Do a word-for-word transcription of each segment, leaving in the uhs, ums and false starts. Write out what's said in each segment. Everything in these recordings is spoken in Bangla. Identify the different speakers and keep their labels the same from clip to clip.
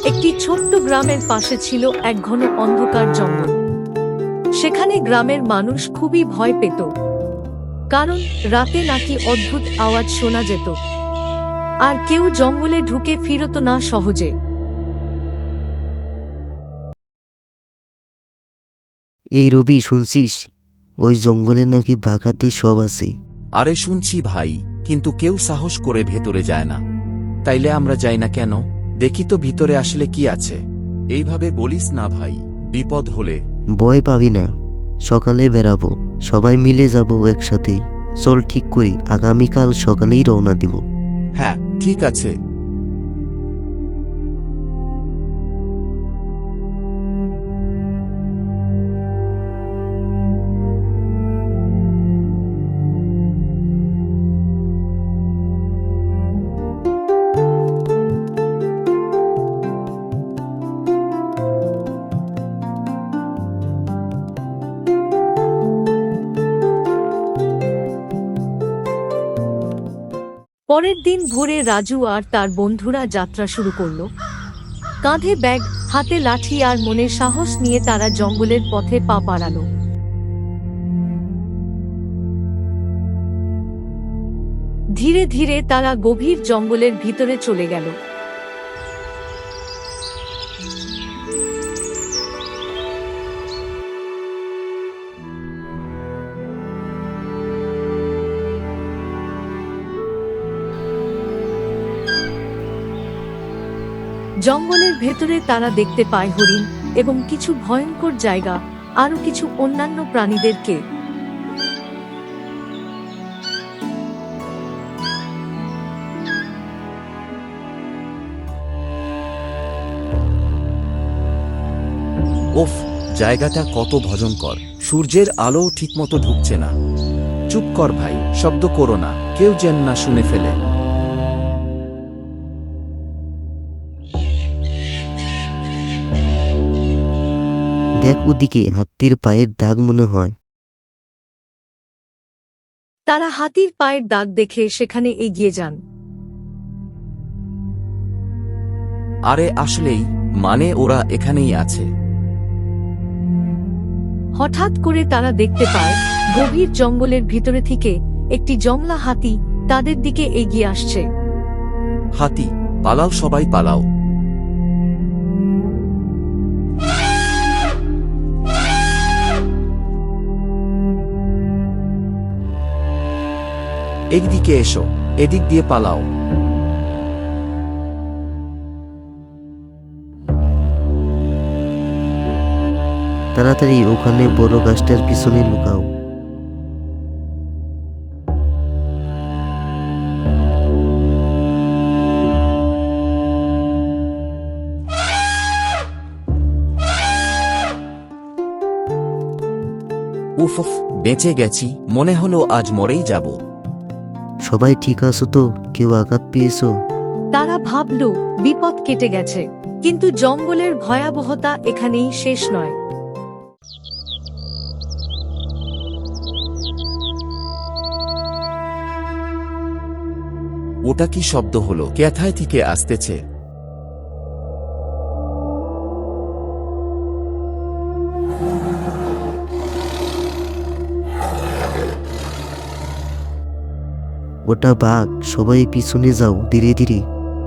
Speaker 1: একটি ছোট্ট গ্রামের পাশে ছিল এক ঘন অন্ধকার জঙ্গল। সেখানে গ্রামের মানুষ খুবই ভয় পেত, কারণ রাতে নাকি অদ্ভুত আওয়াজ শোনা যেত, আর কেউ জঙ্গলে ঢুকে ফিরত না সহজে।
Speaker 2: এই রবি, শুনছিস ওই জঙ্গলে নাকি বাঘাতে সব আছে?
Speaker 3: আরে শুনছি ভাই, কিন্তু কেউ সাহস করে ভেতরে যায় না। তাইলে আমরা যাই না কেন? দেখি তো ভিতরে আসলে কি আছে। এইভাবে বলিস না ভাই, বিপদ হলে।
Speaker 2: ভয় পাবি না, সকালে বেরাবো, সবাই মিলে যাব একসাথে। চল ঠিক করি, আগামীকাল সকালেই রওনা দিব।
Speaker 3: হ্যাঁ ঠিক আছে।
Speaker 1: পরের দিন ভোরে রাজু আর তার বন্ধুরা যাত্রা শুরু করল। কাঁধে ব্যাগ, হাতে লাঠি আর মনে সাহস নিয়ে তারা জঙ্গলের পথে পা বাড়ালো। ধীরে ধীরে তারা গভীর জঙ্গলের ভিতরে চলে গেল। জঙ্গলের ভেতরে তারা দেখতে পায় হরিণ এবং কিছু ভয়ঙ্কর জায়গা, আরো কিছু অন্যান্য প্রাণীদেরকে।
Speaker 3: ওফ, জায়গাটা কত ভয়ঙ্কর। সূর্যের আলো ঠিকমতো ঢুকছে না। চুপ কর ভাই, শব্দ করো না, কেউ যেন না শুনে ফেলে।
Speaker 2: দেখ ওদিকে, হাতির পায়ের দাগ মনে হয়।
Speaker 1: তারা হাতির পায়ের দাগ দেখে সেখানে এগিয়ে যান।
Speaker 3: আরে আসলেই, মানে ওরা এখানেই আছে।
Speaker 1: হঠাৎ করে তারা দেখতে পায় গভীর জঙ্গলের ভিতরে থেকে একটি জংলা হাতি তাদের দিকে এগিয়ে আসছে।
Speaker 3: হাতি, পালাও সবাই পালাও। একদিকে এসো, এদিক দিয়ে পালাও।
Speaker 2: তাড়াতাড়ি ওখানে বড় গাছটার পিছনে লুকাও।
Speaker 3: উফ উফ, বেঁচে গেছি, মনে হলো আজ মরেই যাব।
Speaker 2: সবাই ঠিক আছো তো? কেউ আঘাত পেয়েছো?
Speaker 1: তারা ভাবল বিপদ কেটে গেছে, কিন্তু জঙ্গলের ভয়াবহতা এখানেই শেষ নয়।
Speaker 3: ওটা কি শব্দ হলো? কোথায় থেকে আসতেছে?
Speaker 2: ওটা বাঘ, সবাই পিছনে যাও, ধীরে ধীরে।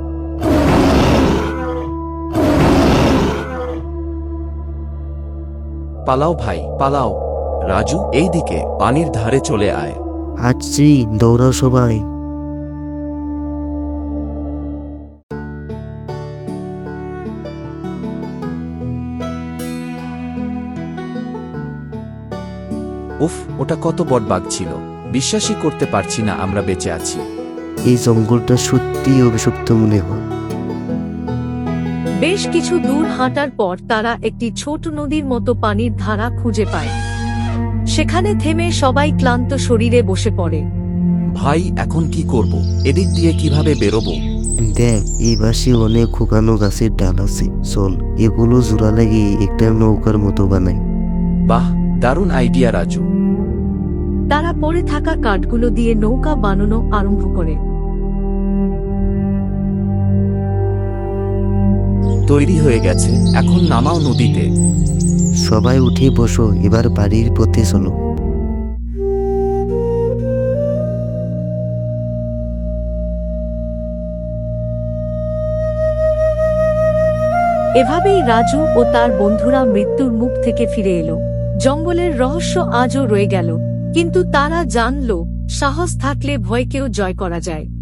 Speaker 3: পালাও ভাই, পালাও। রাজু, এই দিকে, পানির ধারে চলে আয়।
Speaker 2: আসছি, দৌড়াও সবাই।
Speaker 3: উফ, ওটা কত বড় বাঘ ছিল! বিশ্বাসই করতে পারছি না আমরা বেঁচে আছি।
Speaker 2: এই জঙ্গলটা সত্যি অভিশপ্ত মনে হয়।
Speaker 1: বেশ কিছু দূর হাঁটার পর তারা একটি ছোট নদীর মতো পানির ধারা খুঁজে পায়। সেখানে থেমে সবাই ক্লান্ত শরীরে বসে পড়ে।
Speaker 3: ভাই, এখন কি করব? এদিক দিয়ে কিভাবে বেরোবো?
Speaker 2: দেখ, এই পাশে অনেক শুকানো গাছের ডাল আছে, চল এগুলো জোড়া লাগিয়ে একটা নৌকার মতো বানাই।
Speaker 3: বাহ, দারুণ আইডিয়া রাজু।
Speaker 1: তারা পড়ে থাকা কাঠগুলো দিয়ে নৌকা বানানো আরম্ভ করে।
Speaker 3: তৈরি হয়ে গেছে, এখন নামাও নদীতে।
Speaker 2: সবাই উঠে বসো, এবার বাড়ির পথে চলো।
Speaker 1: এভাবেই রাজু ও তার বন্ধুরা মৃত্যুর মুখ থেকে ফিরে এলো। জঙ্গলের রহস্য আজও রয়ে গেল, কিন্তু তারা জানল সাহস থাকলে ভয়কেও জয় করা যায়।